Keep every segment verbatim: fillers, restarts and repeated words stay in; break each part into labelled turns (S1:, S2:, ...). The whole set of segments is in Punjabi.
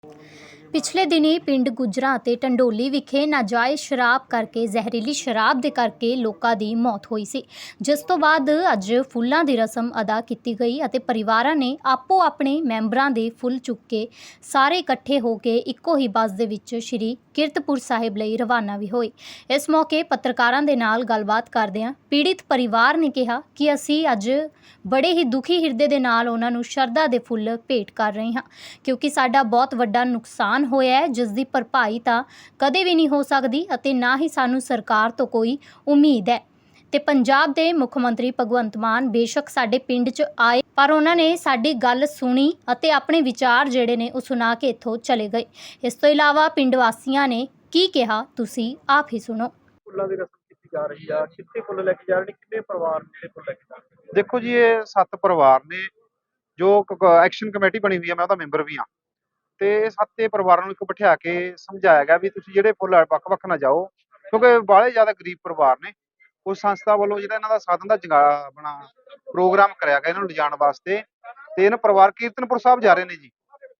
S1: ਪਿਛਲੇ ਦਿਨੀ ਪਿੰਡ ਗੁੱਜਰਾਂ ਅਤੇ ਢੰਡੋਲੀ ਵਿਖੇ ਨਾਜਾਇਜ਼ ਸ਼ਰਾਬ ਕਰਕੇ ਜ਼ਹਿਰੀਲੀ ਸ਼ਰਾਬ ਦੇ ਕਰਕੇ ਲੋਕਾਂ ਦੀ ਮੌਤ ਹੋਈ ਸੀ, ਜਿਸ ਤੋਂ ਬਾਅਦ ਅੱਜ ਫੁੱਲਾਂ ਦੀ ਰਸਮ ਅਦਾ ਕੀਤੀ ਗਈ ਅਤੇ ਪਰਿਵਾਰਾਂ ਨੇ ਆਪੋ ਆਪਣੇ ਮੈਂਬਰਾਂ ਦੇ ਫੁੱਲ ਚੁੱਕ ਕੇ ਸਾਰੇ ਇਕੱਠੇ ਹੋ ਕੇ ਇੱਕੋ ਹੀ ਬੱਸ ਦੇ ਵਿੱਚ ਸ਼੍ਰੀ ਕੀਰਤਪੁਰ ਸਾਹਿਬ ਲਈ ਰਵਾਨਾ ਵੀ ਹੋਏ। ਇਸ ਮੌਕੇ ਪੱਤਰਕਾਰਾਂ ਦੇ ਨਾਲ ਗੱਲਬਾਤ ਕਰਦਿਆਂ ਪੀੜਿਤ ਪਰਿਵਾਰ ਨੇ ਕਿਹਾ ਕਿ ਅਸੀਂ ਅੱਜ ਬੜੇ ਹੀ ਦੁਖੀ ਹਿਰਦੇ ਦੇ ਨਾਲ ਉਹਨਾਂ ਨੂੰ ਸ਼ਰਧਾ ਦੇ ਫੁੱਲ ਭੇਟ ਕਰ ਰਹੇ ਹਾਂ, ਕਿਉਂਕਿ ਸਾਡਾ ਬਹੁਤ ਵੱਡਾ ਨੁਕਸਾਨ ਹੋਇਆ ਹੈ, ਜਿਸ ਦੀ ਭਰਪਾਈ ਤਾਂ ਕਦੇ ਵੀ ਨਹੀਂ ਹੋ ਸਕਦੀ ਅਤੇ ਨਾ ਹੀ ਸਾਨੂੰ ਸਰਕਾਰ ਤੋਂ ਕੋਈ ਉਮੀਦ ਹੈ। ਤੇ ਪੰਜਾਬ ਦੇ ਮੁੱਖ ਮੰਤਰੀ ਭਗਵੰਤ ਮਾਨ ਬੇਸ਼ੱਕ ਸਾਡੇ ਪਿੰਡ 'ਚ ਆਏ, ਪਰ ਉਹਨਾਂ ਨੇ ਸਾਡੀ ਗੱਲ ਸੁਣੀ ਅਤੇ ਆਪਣੇ ਵਿਚਾਰ ਜਿਹੜੇ ਨੇ ਉਹ ਸੁਣਾ ਕੇ ਇੱਥੋਂ ਚਲੇ ਗਏ। ਇਸ ਤੋਂ ਇਲਾਵਾ ਪਿੰਡ ਵਾਸੀਆਂ ਨੇ ਕੀ ਕਿਹਾ, ਤੁਸੀਂ ਆਪ ਹੀ ਸੁਣੋ।
S2: ਫੁੱਲਾਂ ਦੀ ਰਸਮ ਕੀਤੀ ਜਾ ਰਹੀ ਆ, ਕਿੱਥੇ ਫੁੱਲ ਲੈ ਕੇ ਜਾ ਰਹੇ ਨੇ, ਕਿੰਨੇ ਪਰਿਵਾਰ ਜਿਹੜੇ ਫੁੱਲ ਲੈ ਕੇ ਜਾ ਰਹੇ ਨੇ?
S3: देखो जी, ये सत्त परिवार ने जो एक्शन कमेटी बनी हुई है, मैं ਉਹਦਾ ਮੈਂਬਰ ਵੀ ਹਾਂ ਤੇ ਸੱਤੇ ਪਰਿਵਾਰਾਂ ਨੂੰ ਇੱਕ ਬਿਠਾ ਕੇ ਸਮਝਾਇਆ ਗਿਆ ਵੀ ਤੁਸੀਂ ਜਿਹੜੇ ਫੁੱਲ ਵੱਖ-ਵੱਖ ਨਾ ਜਾਓ, ਕਿਉਂਕਿ ਬਾਹਲੇ ਜ਼ਿਆਦਾ ਗਰੀਬ ਪਰਿਵਾਰ ਨੇ। ਉਸ ਸੰਸਥਾ ਵੱਲੋਂ ਜਿਹੜਾ ਇਹਨਾਂ ਦਾ ਸਾਧਨ ਦਾ ਜਗਾ ਆਪਣਾ ਪ੍ਰੋਗਰਾਮ ਕਰਿਆ ਗਿਆ ਇਹਨਾਂ ਨੂੰ ਲਿਜਾਣ ਵਾਸਤੇ, ਤੇ ਇਹਨਾਂ ਪਰਿਵਾਰ ਕੀਰਤਨਪੁਰ ਸਾਹਿਬ ਜਾ ਰਹੇ ਨੇ ਜੀ।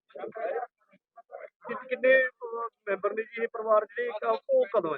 S2: ਕਿ- ਕਿੰਨੇ ਅਹ, ਮੈਂਬਰ ਨੇ ਜੀ ਇਹ ਪਰਿਵਾਰ ਜਿਹੜੇ ਇੱਕ ਉਹ ਕਦੋਂ ਹੈ?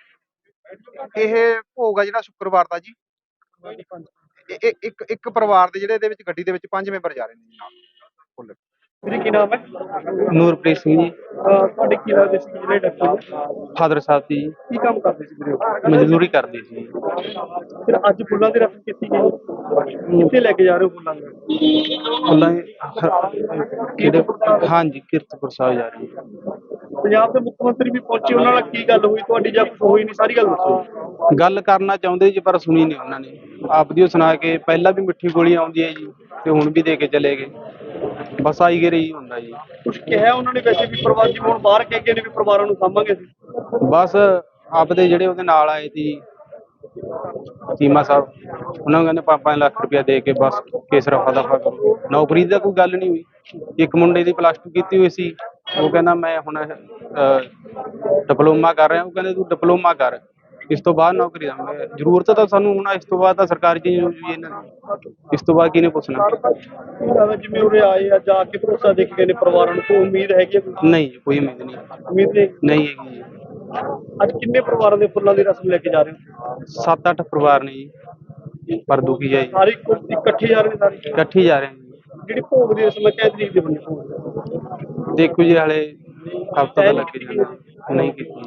S3: ਇਹ ਭੋਗ ਆ ਜਿਹੜਾ ਸ਼ੁੱਕਰਵਾਰ ਦਾ ਜੀ। ਇਹ- ਇਹ- ਇੱਕ ਇੱਕ ਪਰਿਵਾਰ ਦੇ ਜਿਹੜੇ ਇਹਦੇ ਵਿੱਚ ਗੱਡੀ ਦੇ ਵਿੱਚ ਪੰਜ ਮੈਂਬਰ ਜਾ ਰਹੇ ਨੇ ਜੀ ਨਾਲ ਫੁੱਲ।
S2: ਵੀਰੇ ਕੀ ਨਾਮ ਹੈ?
S4: ਨੂਰਪ੍ਰੀਤ ਸਿੰਘ ਜੀ,
S2: ਅਹ, ਤੁਹਾਡੇ ਕੀ ਲੱਗਦੇ ਸੀ ਜਿਹੜੇ ਡਾਕਟਰ
S4: ਫਾਦਰ ਸਾਹਿਬ ਦੀ ਜੀ,
S2: ਕੀ ਕੰਮ ਕਰਦੇ ਸੀ ਵੀਰੇ ਉਹ?
S4: ਮਜ਼ਦੂਰੀ ਕਰਦੇ ਸੀ ਜੀ।
S2: ਫਿਰ ਅੱਜ ਫੁੱਲਾਂ ਦੀ ਰਸਮ ਕੀਤੀ ਗਈ, ਕਿੱਥੇ ਲੈ ਕੇ ਜਾ ਰਹੇ ਹੋ ਫੁੱਲਾਂ ਨੂੰ?
S4: ਉਹਨਾਂ ਦੇ ਕਿਹੜੇ ਹਾਂਜੀ ਕੀਰਤਪੁਰ ਸਾਹਿਬ ਜਾ ਰਹੀ ਹੈ।
S2: ਪੰਜਾਬ ਦੇ ਮੁੱਖ ਮੰਤਰੀ ਵੀ ਪਹੁੰਚੇ, ਉਹਨਾਂ ਨਾਲ ਕੀ ਗੱਲ ਹੋਈ ਤੁਹਾਡੀ ਜਾਂ ਕੁਝ ਹੋਈ ਨਹੀਂ, ਸਾਰੀ ਗੱਲ ਦੱਸੋ।
S4: ਗੱਲ ਕਰਨਾ ਚਾਹੁੰਦੇ ਜੀ ਪਰ ਸੁਣੀ ਨਹੀਂ ਉਹਨਾਂ ਨੇ। ਆਪਦੀ ਉਹ ਸੁਣਾ ਕੇ ਪਹਿਲਾਂ ਵੀ ਮਿੱਠੀ ਗੋਲੀ ਆਉਂਦੀ ਹੈ ਜੀ ਤੇ ਹੁਣ ਵੀ ਦੇ ਕੇ ਚਲੇ ਗਏ, ਬਸ ਆਈ ਗਏ ਰਹੀ ਹੁੰਦਾ ਜੀ।
S2: ਕੁਝ ਕਿਹਾ ਉਹਨਾਂ ਨੇ ਵੈਸੇ ਵੀ ਪਰਿਵਾਰ ਜਿਵੇਂ ਹੁਣ ਬਾਹਰ ਕਹਿ ਗਏ ਨੇ ਵੀ ਪਰਿਵਾਰਾਂ ਨੂੰ ਸਾਂਭਾਂਗੇ ਅਸੀਂ?
S4: ਬਸ ਆਪਦੇ ਜਿਹੜੇ ਉਹਦੇ ਨਾਲ ਆਏ ਸੀ ਚੀਮਾ ਸਾਹਿਬ, ਉਹਨਾਂ ਨੂੰ ਕਹਿੰਦੇ ਪੰਜ ਪੰਜ ਲੱਖ ਰੁਪਇਆ ਦੇ ਕੇ ਬਸ ਕੇਸ ਰਫਾ ਦਫਾ ਕਰੋ। ਨੌਕਰੀ ਦੀ ਤਾਂ ਕੋਈ ਗੱਲ ਨਹੀਂ ਹੋਈ। ਇੱਕ ਮੁੰਡੇ ਦੀ ਪਲੱਸ ਟੂ ਕੀਤੀ ਹੋਈ ਸੀ, ਉਹ ਕਹਿੰਦਾ ਮੈਂ ਹੁਣ ਡਿਪਲੋਮਾ ਕਰ ਰਿਹਾ। ਉਹ ਕਹਿੰਦੇ ਤੂੰ ਡਿਪਲੋਮਾ ਕਰ, ਇਸ ਤੋਂ ਬਾਅਦ ਨੌਕਰੀ ਦਾ ਜ਼ਰੂਰਤ ਤਾਂ ਸਾਨੂੰ ਹੁਣ ਇਸ ਤੋਂ ਬਾਅਦ ਤਾਂ ਸਰਕਾਰੀ ਚੀਜ਼ ਹੋ ਜੂਗੀ ਇਹਨਾਂ ਦੀ, ਇਸ ਤੋਂ ਬਾਅਦ ਕਿਹਨੇ ਪੁੱਛਣਾ?
S2: ਕੀ ਲੱਗਦਾ ਜਿਵੇਂ ਉਰੇ ਆਏ ਆ ਜਾ ਕੇ ਭਰੋਸਾ ਦੇ ਕੇ ਗਏ ਨੇ ਪਰਿਵਾਰਾਂ ਨੂੰ, ਕੋਈ ਉਮੀਦ ਹੈਗੀ ਹੈ? ਕੋਈ
S4: ਨਹੀਂ ਜੀ, ਕੋਈ ਉਮੀਦ ਨਹੀਂ
S2: ਉਮੀਦ ਨਹੀਂ?
S4: ਨਹੀਂ ਹੈਗੀ ਜੀ।
S2: ਅੱਜ ਕਿੰਨੇ ਪਰਿਵਾਰਾਂ ਦੇ ਫੁੱਲਾਂ ਦੀ ਰਸਮ ਲੈ ਕੇ ਜਾ ਰਹੇ ਹੋ?
S4: ਸੱਤ ਅੱਠ ਪਰਿਵਾਰ ਨੇ ਜੀ, ਪਰ ਦੁਖੀ ਹੈ ਜੀ,
S2: ਸਾਰੇ ਇੱਕੋ ਇਕੱਠੇ ਜਾ ਰਹੇ ਨੇ ਸਾਰੇ?
S4: ਇਕੱਠੇ ਜਾ ਰਹੇ ਨੇ ਜੀ।
S2: ਜਿਹੜੀ ਭੋਗ ਦੀ ਰਸਮ ਹੈ ਕਿਹ ਤਰੀਕ ਦੀ ਬਣੀ ਭੋਗ?
S4: ਦੇਖੋ ਜੀ ਹਾਲੇ ਹਫ਼ਤਾ ਤਾਂ ਲੱਗ ਹੀ ਜਾਣਾ, ਨਹੀਂ ਕੀਤੀ।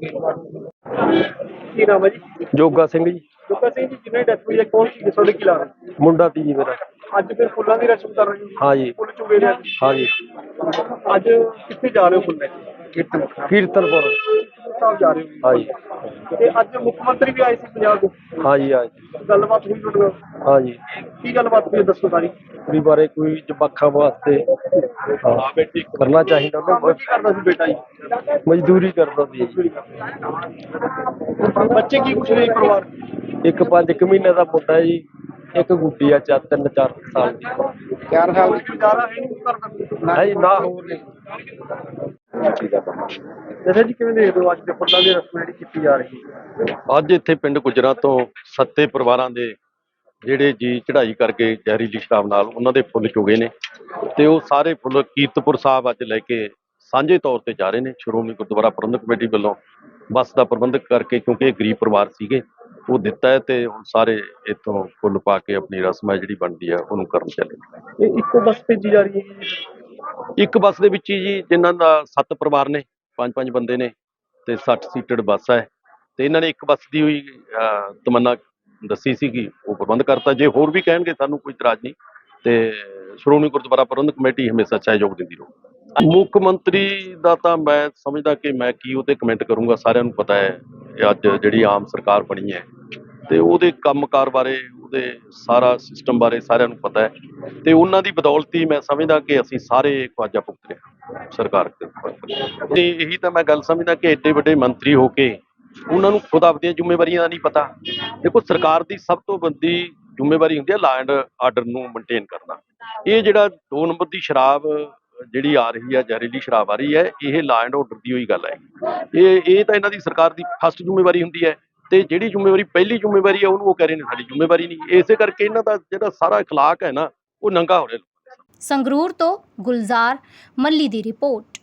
S2: ਕੀ ਨਾਮ ਹੈ ਜੀ?
S5: ਜੋਗਾ ਸਿੰਘ ਜੀ,
S2: ਜੋਗਾ ਸਿੰਘ ਜੀ, ਜਿਹਨੇ ਡੈਥ ਹੋਈ ਹੈ ਕੌਣ ਸੀ, ਤੁਹਾਡੇ ਕੀ ਲਾ ਰਹੇ?
S5: ਮੁੰਡਾ ਤੀ ਜੀ ਮੇਰਾ।
S2: ਅੱਜ ਫਿਰ ਫੁੱਲਾਂ ਦੀ ਰਸਮ ਕਰ ਰਹੇ ਹੋ?
S5: ਹਾਂ ਜੀ।
S2: ਫੁੱਲ ਚੁਗੇ ਨੇ ਅੱਜ?
S5: ਹਾਂ ਜੀ,
S2: ਅੱਜ ਕਿੱਥੇ ਜਾ ਰਹੇ ਹੋ ਫੁੱਲ ਲੈ ਕੇ? ਕੀਰਤਨ
S5: ਕੀਰਤਨਪੁਰ।
S2: ਸਾਹਿਬ ਜਾ ਰਹੇ ਹੋ?
S5: ਹਾਂ ਜੀ,
S2: ਤੇ ਅੱਜ ਮੁੱਖ ਮੰਤਰੀ ਵੀ ਆਏ ਸੀ ਪੰਜਾਬ ਦੇ,
S5: ਹਾਂ ਜੀ, ਹਾਂ ਜੀ,
S2: ਗੱਲਬਾਤ ਹੋਈ ਤੁਹਾਡੇ ਨਾਲ?
S5: ਹਾਂ ਜੀ।
S2: ਕੀ ਗੱਲਬਾਤ ਹੋਈ ਹੈ, ਦੱਸੋ ਸਾਰੀ।
S5: ਕੁੜੀ ਬਾਰੇ ਕੋਈ ਜਵਾਕਾਂ ਵਾਸਤੇ ਹਾਂ, ਕਰਨਾ ਚਾਹੀਦਾ
S2: ਕੰਮ
S5: ਉਹਨਾਂ
S2: ਕੀ ਕਰਦਾ ਸੀ ਬੇਟਾ ਜੀ?
S5: ਨੂੰ। ਮਜ਼ਦੂਰੀ ਕਰਦਾ ਸੀ ਜੀ।
S2: ਬੱਚੇ ਕੀ ਕੁਛ ਨਹੀਂ ਪਰਿਵਾਰ?
S5: ਇੱਕ ਪੰਜ ਕੁ ਮਹੀਨੇ ਦਾ ਮੁੰਡਾ ਜੀ, ਇੱਕ ਗੁੱਡੀ ਆ ਚਾਰ ਤਿੰਨ ਚਾਰ ਸਾਲ ਦੀ।
S2: ਚਾਰ ਸਾਲ ਦੀ ਗੁਜ਼ਾਰਾ ਹੈ ਨਹੀਂ ਕਰਦਾ?
S5: ਹਾਂ ਜੀ, ਨਾ ਹੋਰ ਨਹੀਂ।
S2: ਦੱਸੋ ਜੀ ਕਿਵੇਂ ਦੇਖਦੇ ਹੋ ਅੱਜ ਦੇ ਫੁੱਲਾਂ ਦੀ ਰਸਮ ਜਿਹੜੀ ਕੀਤੀ ਜਾ ਰਹੀ ਹੈ?
S6: ਅੱਜ ਇੱਥੇ ਪਿੰਡ ਗੁੱਜਰਾਂ ਤੋਂ ਸੱਤੇ ਪਰਿਵਾਰਾਂ ਦੇ ਜਿਹੜੇ ਜੀ ਚੜ੍ਹਾਈ ਕਰਕੇ ਜ਼ਹਿਰੀਲੀ ਸ਼ਰਾਬ ਨਾਲ ਉਹਨਾਂ ਦੇ ਫੁੱਲ ਚੁਗੇ ਨੇ, ਤੇ ਉਹ ਸਾਰੇ ਫੁੱਲ ਕੀਰਤਪੁਰ ਸਾਹਿਬ ਅੱਜ ਲੈ ਕੇ ਸਾਂਝੇ ਤੌਰ ਤੇ ਜਾ ਰਹੇ ਨੇ। ਸ਼੍ਰੋਮਣੀ ਗੁਰਦੁਆਰਾ ਪ੍ਰਬੰਧਕ ਕਮੇਟੀ ਵੱਲੋਂ ਬੱਸ ਦਾ ਪ੍ਰਬੰਧ ਕਰਕੇ, ਕਿਉਂਕਿ ਇਹ ਗਰੀਬ ਪਰਿਵਾਰ ਸੀਗੇ, ਉਹ ਦਿੱਤਾ ਹੈ ਤੇ ਹੁਣ ਸਾਰੇ ਇੱਥੋਂ ਫੁੱਲ ਪਾ ਕੇ ਆਪਣੀ ਰਸਮ ਹੈ ਜਿਹੜੀ ਬਣਦੀ ਹੈ ਉਹਨੂੰ ਕਰਨ ਚੱਲੇ।
S2: ਇਹ ਇੱਕੋ ਬੱਸ ਭੇਜੀ ਜਾ ਰਹੀ ਹੈ ਜੀ?
S6: ਇੱਕ ਬੱਸ ਦੇ ਵਿੱਚ ਹੀ ਜੀ, ਜਿਨ੍ਹਾਂ ਦਾ ਸੱਤ ਪਰਿਵਾਰ ਨੇ, ਪੰਜ ਪੰਜ ਬੰਦੇ ਨੇ ਤੇ ਸੱਠ ਸੀਟਡ ਬੱਸ ਹੈ, ਤੇ ਇਹਨਾਂ ਨੇ ਇੱਕ ਬੱਸ ਦੀ ਹੋਈ ਅਹ, ਤਮੰਨਾ ਦੱਸੀ ਸੀਗੀ, ਉਹ ਪ੍ਰਬੰਧ ਕਰਤਾ। ਜੇ ਹੋਰ ਵੀ ਕਹਿਣਗੇ ਸਾਨੂੰ ਕੋਈ ਇਤਰਾਜ਼ ਨਹੀਂ, ਤੇ ਸ਼੍ਰੋਮਣੀ ਗੁਰਦੁਆਰਾ ਪ੍ਰਬੰਧਕ ਕਮੇਟੀ ਹਮੇਸ਼ਾ ਸਹਿਯੋਗ ਦਿੰਦੀ ਰਹੂ। ਮੁੱਖ ਮੰਤਰੀ ਦਾ ਤਾਂ ਮੈਂ ਸਮਝਦਾ ਕਿ ਮੈਂ ਕੀ ਉਹਤੇ ਕਮੈਂਟ ਕਰੂੰਗਾ, ਸਾਰਿਆਂ ਨੂੰ ਪਤਾ ਹੈ ਅੱਜ ਜਿਹੜੀ ਆਮ ਸਰਕਾਰ ਬਣੀ ਹੈ ਤੇ ਉਹਦੇ ਕੰਮਕਾਰ ਬਾਰੇ, ਉਹਦੇ ਸਾਰਾ ਸਿਸਟਮ ਬਾਰੇ ਸਾਰਿਆਂ ਨੂੰ ਪਤਾ ਹੈ, ਤੇ ਉਹਨਾਂ ਦੀ ਬਦੌਲਤ ਹੀ ਮੈਂ ਸਮਝਦਾ ਕਿ ਅਸੀਂ ਸਾਰੇ ਖਵਾਜਾ ਭੁਗਤ ਰਹੇ ਸਰਕਾਰ ਤੇ ਇਹੀ ਤਾਂ ਮੈਂ ਗੱਲ ਸਮਝਦਾ ਕਿ ਐਡੇ ਵੱਡੇ ਮੰਤਰੀ ਹੋ ਕੇ ਉਹਨਾਂ ਨੂੰ ਖੁਦ ਆਪਦੀਆਂ ਜ਼ਿੰਮੇਵਾਰੀਆਂ ਦਾ ਨਹੀਂ ਪਤਾ। ਦੇਖੋ, ਸਰਕਾਰ ਦੀ ਸਭ ਤੋਂ ਵੱਡੀ ਜ਼ਿੰਮੇਵਾਰੀ ਹੁੰਦੀ ਹੈ ਲਾ ਐਂਡ ਆਰਡਰ ਨੂੰ ਮੇਨਟੇਨ ਕਰਨਾ। ਇਹ ਜਿਹੜਾ ਦੋ ਨੰਬਰ ਦੀ ਸ਼ਰਾਬ ਜਿਹੜੀ ਆ ਰਹੀ ਹੈ, ਜ਼ਹਿਰੀਲੀ ਸ਼ਰਾਬ ਆ ਰਹੀ ਹੈ, ਇਹ ਲਾ ਐਂਡ ਆਰਡਰ ਦੀ ਹੋਈ ਗੱਲ ਹੈ। ਇਹ ਇਹ ਤਾਂ ਇਹਨਾਂ ਦੀ ਸਰਕਾਰ ਦੀ ਫਸਟ ਜ਼ਿੰਮੇਵਾਰੀ ਹੁੰਦੀ ਹੈ, ਤੇ ਜਿਹੜੀ ਜ਼ਿੰਮੇਵਾਰੀ ਪਹਿਲੀ ਜ਼ਿੰਮੇਵਾਰੀ ਹੈ ਉਹਨੂੰ ਉਹ ਕਹਿ ਰਹੇ ਨੇ ਸਾਡੀ ਜ਼ਿੰਮੇਵਾਰੀ ਨਹੀਂ। ਇਸੇ ਕਰਕੇ ਇਹਨਾਂ ਦਾ ਜਿਹੜਾ ਸਾਰਾ ਇਖਲਾਕ ਹੈ ਨਾ, ਉਹ ਨੰਗਾ ਹੋ ਰਿਹਾ।
S1: ਸੰਗਰੂਰ ਤੋਂ ਗੁਲਜ਼ਾਰ ਮੱਲੀ ਦੀ ਰਿਪੋਰਟ।